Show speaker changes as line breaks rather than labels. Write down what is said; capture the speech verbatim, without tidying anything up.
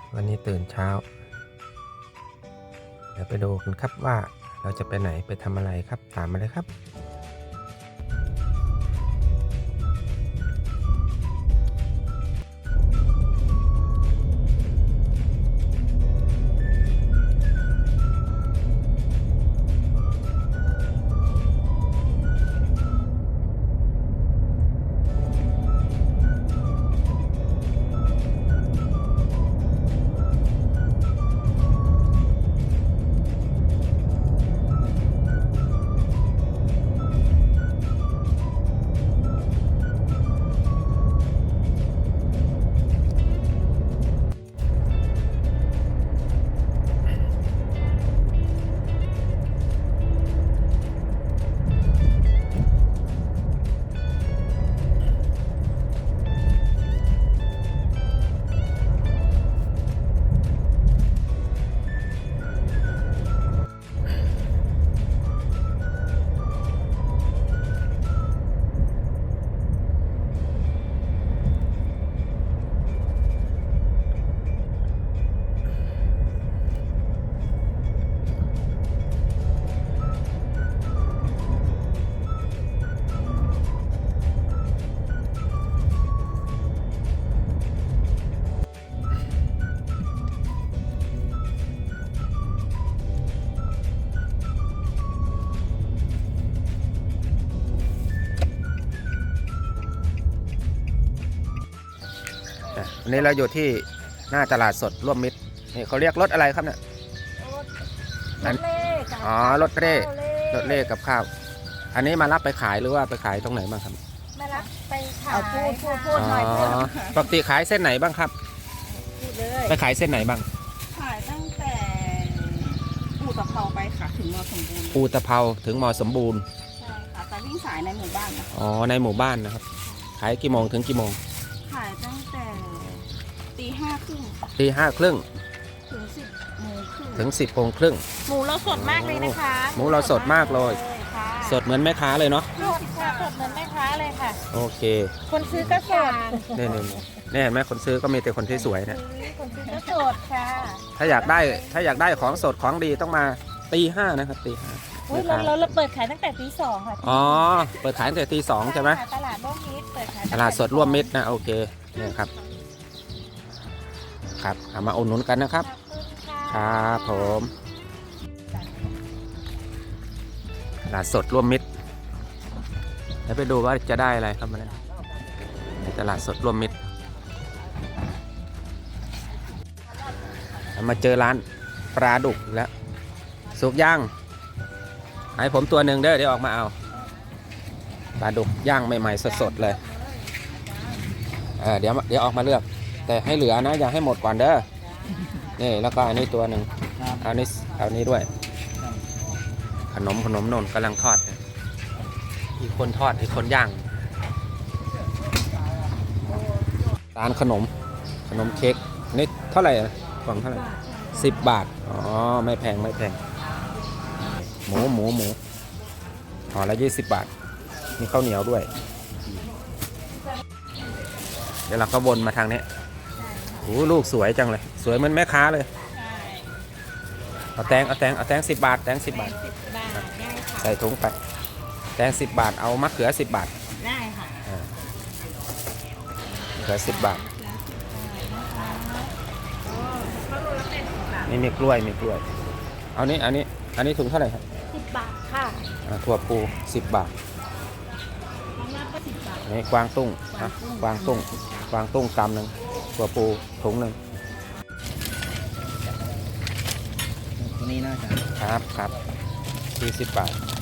วันนี้ตื่นเช้าเดี๋ยวไปดูกันครับว่าเราจะไปไหนไปทำอะไรครับตามมาเลยครับวันนี้เราอยู่ที่หน้าตลาดสดร่วมมิตรนี่เขาเรียกรถอะไรครับเนี่ย
รถเล่กับ
อ๋อรถเร่รถเร่กับข้าวอันนี้มารับไปขายหรือว่าไปขายตรงไหนบ้างครับ
มารับไปขายพูดพูดพูดหน่อยพูด
ปกติขายเส้นไหนบ้างครับ
พูดเลย
ไปขายเส้นไหนบ้าง
ขายตั้งแต่อู่ตะเภาไปค่ะถึงมอสมบูรณ์
อู่ตะเภาถึงมอสมบูรณ์
ใช่ค่ะแต่วิ่งสายในหมู่บ้านนะคะ
อ๋อในหมู่บ้านนะครับขายกี่โมงถึงกี่โมง
ขายตั้งแต่ตีห้าครึ่ง
ตีห้าครึ่ง
ถึงสิบโมงครึ่ง
ถึงสิบโมงครึ่ง
หมูเราสดมากเลยนะคะ
หมูเราสดมากเลยสดเหมือนแม่ค้าเลยเนาะ
สดค่ะสดเหมือนแม่ค้าเลยค่ะ
โอเค
คนซื้อก็สด
นี่นี่นี่เห็นไหมคนซื้อก็มีแต่คนที่สวยเนี่ย
คนซื้อก็สดค่ะ
ถ้าอยากได้ถ้าอยากได้ของสดของดีต้องมาตีห้านะครับตีห้า
เราเราเราเปิดขายตั้งแต่ตีสองค่ะ
อ๋อเปิดขายตั้งแต่ตีสองใช่ไหม
ตลาดร่วมมิตรเปิดขาย
ตลาดสดร่วมมิตรนะโอเคเนี่ยครับครับเอามาอุดหนุนกันนะครับครับผมตลาดสดร่วมมิตรเดี๋ยวไปดูว่าจะได้อะไรครับมาในตลาดสดร่วมมิตรมาเจอร้านปลาดุกแล้วสุกย่างให้ผมตัวหนึ่งเด้อเดี๋ยวออกมาเอาปลาดุกย่างใหม่ๆสดๆเลยเออเดี๋ยวเดี๋ยวออกมาเลือกแต่ให้เหลือนะอย่าให้หมดก่อนเด้อนี่แล้วก็อันนี้ตัวหนึ่งเอานี้เอานี้ด้วยขนมขนมนนกำลังทอดอีกคนทอดอีกคนย่างร้านขนมขนมเค้กนี่เท่าไหร่กล่องเท่าไหร่สิบบาทอ๋อไม่แพงไม่แพงหมูหมูหมูห่อละยี่สิบบาทมีข้าวเหนียวด้วยเดี๋ยวเราก็วนมาทางนี้โอ้ลูกสวยจังเลยสวยเหมือนแม่ค้าเลยเอาแตงเอาแตงเอาแตงสิบบาทแตงสิบบาทใส่ถุงไปแตงสิบบาทเอามะเขือสิบบาท
ได้ค่ะ
มะเขือสิบบาทนี่มีกล้วยมีกล้วยเอานี้อันนี้อันนี้ถุงเท่าไหร่ครับ
สิบบาทค่ะ
ถั่วปูสิบบาทนี่กวางตุ้งนะกวางตุ้งกวางตุ้งกำหนึ่งถั่วปูถุงหนึ่ง
ตัวนี้น่าจะ
ครับครับสี่สิบบาท